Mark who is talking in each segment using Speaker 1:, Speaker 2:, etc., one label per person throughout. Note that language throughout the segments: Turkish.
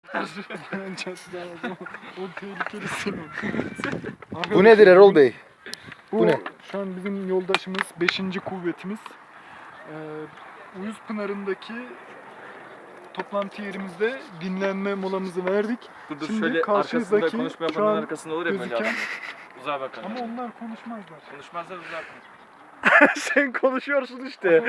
Speaker 1: O tehlikelisin.
Speaker 2: Bu nedir Erol Bey? Bu ne?
Speaker 1: Şu an bizim yoldaşımız 5. kuvvetimiz. Uyuz Pınarı'ndaki toplantı yerimizde dinlenme molamızı verdik.
Speaker 3: Dur
Speaker 1: Şimdi
Speaker 3: şöyle arkasında
Speaker 1: karşınızdaki
Speaker 3: konuşma
Speaker 1: şu
Speaker 3: yapanların
Speaker 1: an
Speaker 3: arkasında olur ya böyle
Speaker 1: gözüken-
Speaker 3: adam. Uzağa bakın.
Speaker 1: Ama onlar konuşmazlar.
Speaker 3: Konuşmazlar uzağa bakın.
Speaker 2: Sen konuşuyorsun işte.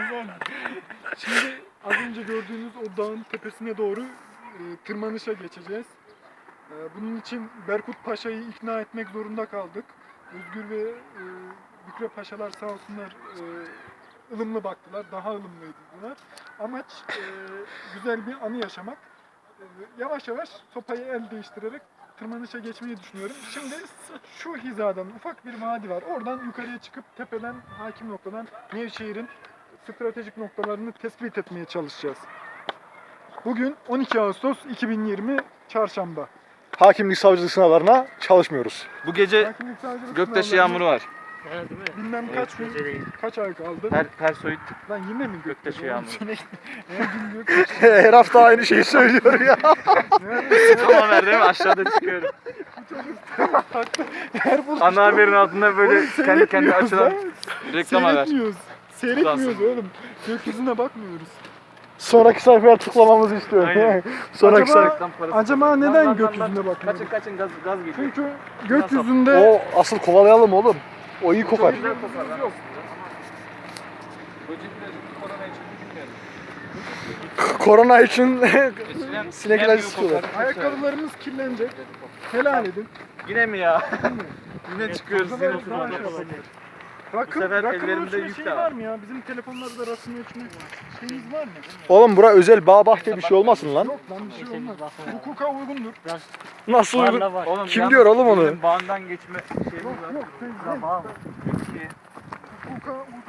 Speaker 1: Şimdi az önce gördüğünüz o dağın tepesine doğru tırmanışa geçeceğiz. Bunun için Berkut Paşa'yı ikna etmek zorunda kaldık. Özgür ve Bükre Paşalar sağ olsunlar ılımlı baktılar, daha ılımlıydılar. Amaç güzel bir anı yaşamak. Yavaş yavaş sopayı el değiştirerek tırmanışa geçmeyi düşünüyorum. Şimdi şu hizadan ufak bir vadi var. Oradan yukarıya çıkıp tepeden, hakim noktadan Nevşehir'in stratejik noktalarını tespit etmeye çalışacağız. Bugün 12 Ağustos 2020 Çarşamba.
Speaker 2: Hakimlik savcılık sınavlarına çalışmıyoruz.
Speaker 3: Bu gece
Speaker 1: Hakimlik savcılık
Speaker 3: göktaşı
Speaker 1: sınavlarına
Speaker 3: yağmuru var.
Speaker 1: Bilmem kaç gün, kaç ay kaldı.
Speaker 3: Her soyut
Speaker 1: Lan yine mi
Speaker 3: göktaşı
Speaker 1: oğlum?
Speaker 3: yağmuru.
Speaker 1: Her gün göktaşı.
Speaker 2: Her hafta aynı şeyi söylüyor ya.
Speaker 3: Tamam ver değil mi? Aşağıda çıkıyorum.
Speaker 1: Her buluşta
Speaker 3: Ana haberin altında böyle kendi
Speaker 1: seyretmiyoruz
Speaker 3: açılan
Speaker 1: ha.
Speaker 3: reklam haber.
Speaker 1: Seyretmiyoruz oğlum. Gökyüzüne bakmıyoruz.
Speaker 2: Sonraki sayfaya tıklamamızı istiyorum.
Speaker 3: Aynen.
Speaker 2: Sonraki
Speaker 1: Acaba-
Speaker 2: sayfa.
Speaker 3: Reklam parası.
Speaker 1: Acaba
Speaker 3: Lan,
Speaker 1: neden
Speaker 3: lan, lan,
Speaker 1: gökyüzüne
Speaker 3: lan.
Speaker 1: bakmıyoruz?
Speaker 3: Kaçın gaz geliyor.
Speaker 1: Çünkü gökyüzünde
Speaker 2: O asıl kovalayalım oğlum. O iyi kokar.
Speaker 3: Güzel kokar lan aslında. Böcekler korona için düşünmüyorum.
Speaker 2: Korona için
Speaker 3: Eskiden
Speaker 2: sinekler
Speaker 3: nem gibi
Speaker 2: sıkıyorlar.
Speaker 3: kokar.
Speaker 1: ayakkabılarımız kirlenecek. Helal edin.
Speaker 3: Yine mi ya? Yine çıkıyoruz
Speaker 1: Daha
Speaker 3: yine
Speaker 1: şey
Speaker 3: fotoğraf.
Speaker 1: yapalım.
Speaker 3: Bu sefer
Speaker 1: Rakım
Speaker 3: ellerimde
Speaker 1: ölçme
Speaker 3: yük
Speaker 1: şeyi
Speaker 3: de var.
Speaker 1: var mı ya? Bizim telefonlarda rakım ölçme şeyimiz var mı?
Speaker 2: Oğlum bura özel bağ bahçe bir şey olmasın lan.
Speaker 1: Yok lan bir şey olmaz. Hukuka uygundur.
Speaker 2: Nasıl uygun?
Speaker 3: Oğlum,
Speaker 2: Kim
Speaker 3: yalnız
Speaker 2: diyor oğlum onu?
Speaker 3: bizim bağından geçme şeyimiz
Speaker 1: Yok
Speaker 3: var.
Speaker 1: yok.
Speaker 3: Tamam.
Speaker 1: Hukuka uygun.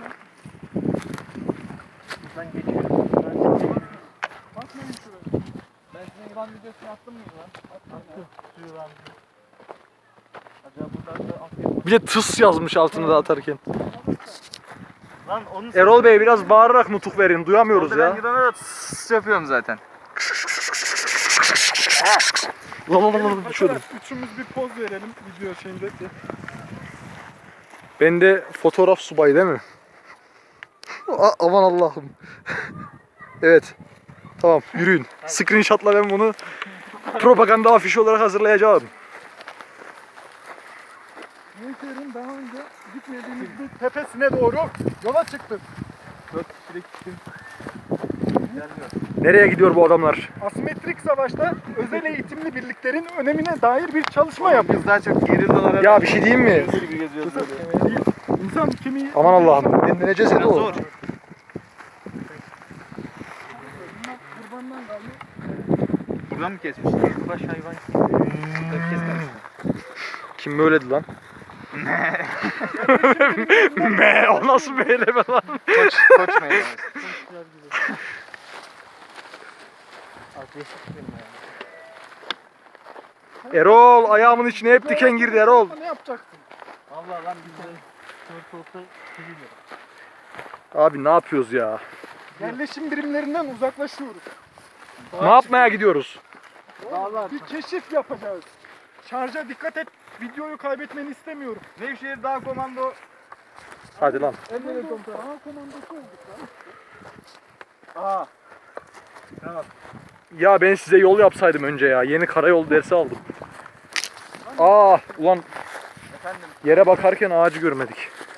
Speaker 3: Buradan geçiyorum.
Speaker 1: Bakmayın şuraya.
Speaker 3: Ben sizin İvan videosunu attım mı lan? Attım. Suyu lan. Acaba buradan da atayım.
Speaker 2: Bir de tıs yazmış altına da atarken.
Speaker 3: Lan onu
Speaker 2: Erol Bey biraz bağırarak nutuk verin. Duyamıyoruz
Speaker 3: Orada
Speaker 2: ya.
Speaker 3: ben gidene de tıs yapıyorum zaten.
Speaker 2: Düşürdüm.
Speaker 1: Arkadaşlar üçümüz bir poz verelim video şeyinde.
Speaker 2: Ben de fotoğraf subayı değil mi? Aman Allah'ım. Evet. Tamam yürüyün. Screenshot'la ben bunu propaganda afişi olarak hazırlayacağım.
Speaker 1: Nevşehir'in daha önce gitmediğimiz bir tepesine doğru yola çıktık.
Speaker 3: 4 kişilik tim.
Speaker 2: Nereye gidiyor bu adamlar?
Speaker 1: Asimetrik savaşta özel eğitimli birliklerin önemine dair bir çalışma yapıyoruz.
Speaker 3: Biz daha çok gerildalara...
Speaker 2: Ya bir şey diyeyim mi?
Speaker 3: gibi geziyoruz böyle.
Speaker 1: İnsan kemiği...
Speaker 2: Aman Allah'ım. Dinleneceğiz
Speaker 3: Biraz
Speaker 2: Erol.
Speaker 3: zor.
Speaker 1: Kurbandan kaldı.
Speaker 3: Buradan mı kesmiş? Baş hayvan. Kesmemiş.
Speaker 2: Kim böyledi lan? Me, o nasıl bir eyleme lan?
Speaker 3: Koç meydanı.
Speaker 2: Erol ayağımın içine hep diken girdi Erol.
Speaker 1: Ne yapacaksın?
Speaker 3: Valla lan biz de şort olsa seviliyor.
Speaker 2: Abi ne yapıyoruz ya?
Speaker 1: Yerleşim birimlerinden uzaklaşıyoruz.
Speaker 2: Ne yapmaya gidiyoruz?
Speaker 1: Dağlar. Bir keşif yapacağız. Şarja dikkat et. Videoyu kaybetmeni istemiyorum.
Speaker 3: Nevşehir Dağ Komando.
Speaker 2: Hadi lan.
Speaker 1: Emre komutan. Dağ komandosu olduk lan.
Speaker 3: Aa.
Speaker 2: Ya ben size yol yapsaydım önce ya. Yeni karayol dersi aldım. Aa ulan
Speaker 3: Efendim.
Speaker 2: yere bakarken ağacı görmedik.